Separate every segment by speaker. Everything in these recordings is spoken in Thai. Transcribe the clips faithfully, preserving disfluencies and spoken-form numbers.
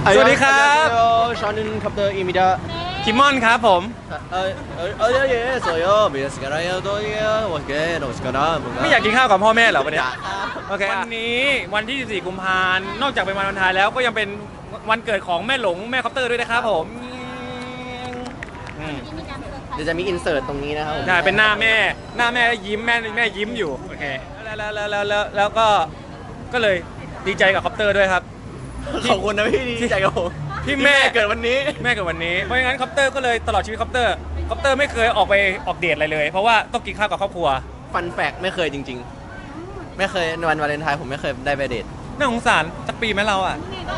Speaker 1: สวัสดีครับ
Speaker 2: 저는컵터입니다
Speaker 1: คิมมอนครับผม
Speaker 2: 어, 어, 어디에 있어요? 미스카라요, 도이요, 어떻게, 너무 시끄러.
Speaker 1: ไม่อยากกินข้าวกับพ่อแม่เหรอวันนี้
Speaker 2: อยากครับ
Speaker 1: โอเควันนี้วันที่ สี่ กุมภาพันธ์นอกจากเป็นวันวาเลนไทน์แล้วก็ยังเป็นวันเกิดของแม่หลงแม่คอปเตอร์ด้วยนะครับผมอืม
Speaker 2: เดี๋ยวจะมีอินเสิร์ตตรงนี้นะครับผม
Speaker 1: ใช่เป็นหน้าแม่หน้าแม่ยิ้มแม่แม่ยิ้มอยู่โอเคแล้วแล้วแล้วแล้วแล้วแล้วก็ก็เลยดีใจกับคอปเตอร์ด้วยครับ
Speaker 2: ขอบคุณนะพี่ดีใจกับผม
Speaker 1: ที่แม่
Speaker 2: เกิดวันนี้
Speaker 1: แม่เกิดวันนี้เพราะงั้นคอปเตอร์ก็เลยตลอดชีวิตคอปเตอร์คอปเตอร์ไม่เคยออกไปออกเดทอะไรเลย เพราะว่าต้องกินข้าวกับครอบครัว
Speaker 2: ฟันแฟกไม่เคยจริงๆ ไม่เคยในวันวาเลนไทน์ผมไม่เคยได้ไปเดท
Speaker 1: น่าสงสารสักปีไหมเราอ่ะ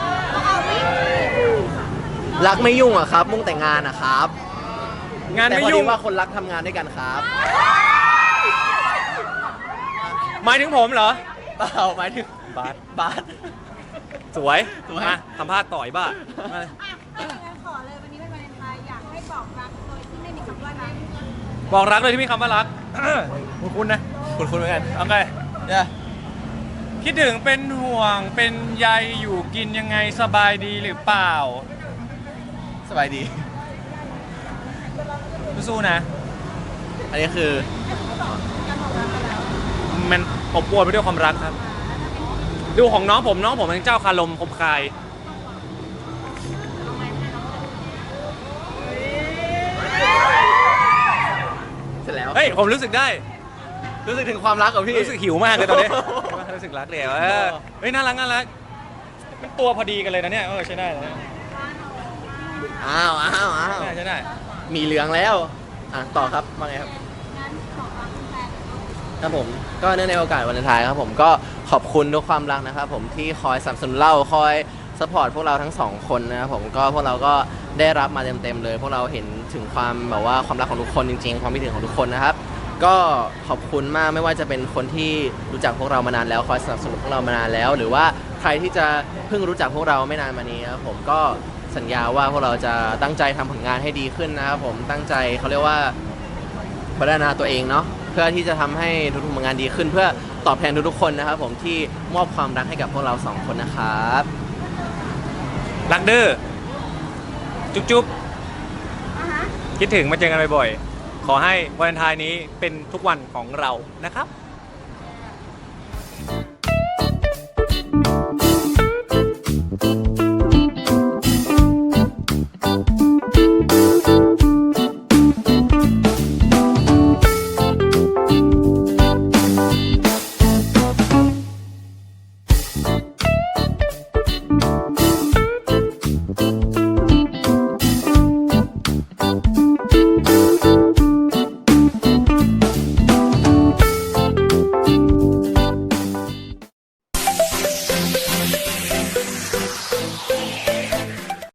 Speaker 2: รักไม่ยุ่งอะครับ มุ่งแต่งงานอะครับ
Speaker 1: งาน
Speaker 2: แต่
Speaker 1: ไม่
Speaker 2: พอ
Speaker 1: ยุ่
Speaker 2: ดี
Speaker 1: ง
Speaker 2: ว่าคนรักทำงานด้วยกันครับ
Speaker 1: หมายถึงผมเหรอ
Speaker 2: เปล่าหมายถึง
Speaker 1: บาส
Speaker 2: บาส
Speaker 1: สวย
Speaker 2: สวย
Speaker 1: มาสัมภาษณ์ต่อยบ้ามา
Speaker 3: อ่ะถ้าอย่างนั้นขอเลยวันนี้เป็นวาเลนไทน์อยากให้บอกรักโดยที่ไม่มีคำว่ารัก
Speaker 1: บอกรักเลยที่มีคำว่ารัก คุณคุณนะ
Speaker 2: คุณคุณเหมือนกัน
Speaker 1: โอเค
Speaker 2: เนี่ย
Speaker 1: คิดถึงเป็นห่วงเป็นใยอยู่กินยังไงสบายดีหรือเปล่า
Speaker 2: สบายดี
Speaker 1: สู้ๆนะ
Speaker 2: อันนี้คือ
Speaker 1: มันอบอวลไปด้วยความรักครับ ดูของน้องผมน้องผมเป็นเจ้าคารมคมคาย
Speaker 2: เสร็จแล้ว
Speaker 1: เฮ้ยผมรู้สึกได้
Speaker 2: รู้สึกถึงความรักกับพี่
Speaker 1: รู้สึกหิวมากเลยตอนนี้ รู้สึกรักเลยเออเฮ้ยน่ารักน่ารักมันตัวพอดีกันเลยนะเนี่ยเออใช้ได้เลย
Speaker 2: อ้าวอ้าวอ้าว
Speaker 1: ใช้ได้ใช้ได้
Speaker 2: มีเหลืองแล้ว อ่ะ ต่อครับว่าไงครับ
Speaker 3: งั้นบอกรักแฟน
Speaker 2: ครับผม ก็เนื่องในโอกาสวันวาเลนไทน์ครับผม ก็ขอบคุณทุกความรักนะครับผมที่คอยสนับสนุนเรา คอยสปอร์ตพวกเราทั้งสองคนนะครับผม ก็พวกเราก็ได้รับมาเต็มๆเลย พวกเราเห็นถึงความแบบว่าความรักของทุกคนจริงๆ ความคิดถึงของทุกคนนะครับ ก็ขอบคุณมากไม่ว่าจะเป็นคนที่รู้จักพวกเรามานานแล้ว คอยสนับสนุนพวกเรามานานแล้ว หรือว่าใครที่จะเพิ่งรู้จักพวกเราไม่นานมานี้ครับผมก็สัญญาว่าพวกเราจะตั้งใจทำผลงานให้ดีขึ้นนะครับผมตั้งใจเขาเรียกว่าพัฒนาตัวเองเนาะเพื่อที่จะทำให้ทุกๆผลงานดีขึ้น เพื่อตอบแทนทุกๆคนนะครับผมที่มอบความรักให้กับพวกเราสองคนนะครับ
Speaker 1: รักเด้อจุ๊บจุ๊บ
Speaker 3: อ่ะฮะ
Speaker 1: คิดถึงมาเจอกันบ่อยๆขอให้วาเลนไทน์นี้เป็นทุกวันของเรานะครับ